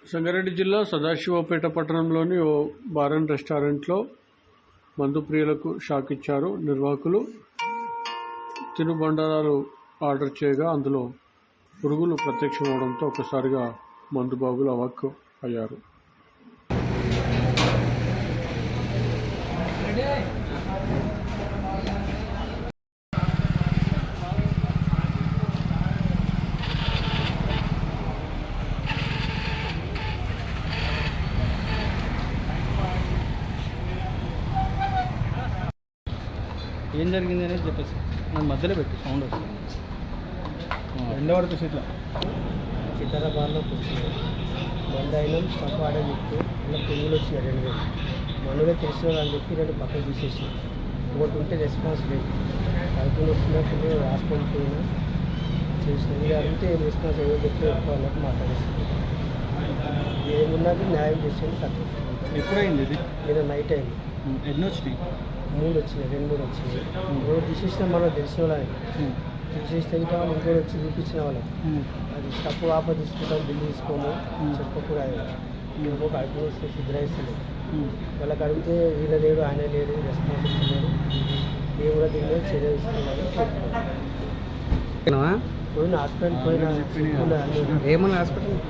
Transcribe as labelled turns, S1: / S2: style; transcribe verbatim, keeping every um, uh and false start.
S1: సంగారెడ్డి జిల్లా సదాశివపేట పట్టణంలోని ఓ bar and రెస్టారెంట్లో మందు ప్రియులకు షాక్ ఇచ్చారు నిర్వాహకులు. తినుబండారాలు ఆర్డర్ చేయగా అందులో పురుగులు ప్రత్యక్షమవడంతో ఒక్కసారిగా మందు బాబులు అవాక్కు అయ్యారు.
S2: ఏం జరిగింది అనేది చెప్పేసి నాకు మధ్యలో పెట్టి సౌండ్ వస్తుంది. ఎండ పడుతుంది ఇట్లా
S3: చిత్తర బార్లో కూర్చున్నాం. మంది అయినా స్టఫ్ ఆర్డర్ చెప్తే ఇలా పురుగులు వచ్చినాయి రెండు వేలు మనగా తెలిసిన అని చెప్పి రెండు పక్కన తీసేసి ఒకటి ఉంటే రెస్పాన్స్ లేదు. కడుపులు వస్తున్నట్టు హాస్పిటల్ పోయినా చేసిన మీరు అడిగితే ఏం రెస్పాన్స్ ఏమో చెప్తే ఎక్కువ అన్నట్టు మాట్లాడేస్తుంది. ఏమున్నది న్యాయం చేసేది తక్కువ.
S2: ఎప్పుడైంది ఇది?
S3: నేను నైట్ అయింది.
S2: ఎన్ని వచ్చినాయి?
S3: మూడు వచ్చినాయి, రెండు మూడు వచ్చినాయి. మూడు తీసేసిన మనం తెలిసిన వాళ్ళని తీసేస్తే ఇంకా వాళ్ళు ఇంకోటి వచ్చి చూపించిన వాళ్ళం. అది స్టప్ ఆప తీసుకుంటాం, బిల్లు తీసుకోము చెప్పకుండా మేము ఒక అడుగు వస్తే శుద్ధిస్తుంది. వాళ్ళకి అడిగితే వీళ్ళ లేడు, ఆయన లేడు, రెస్పాన్సిబిలిటీ లేడు, ఏ కూడా దీని మీద చర్య తీసుకున్నామని చెప్తున్నాను. పోయిన హాస్పిటల్ పోయిన
S2: ఏమన్నా హాస్పిటల్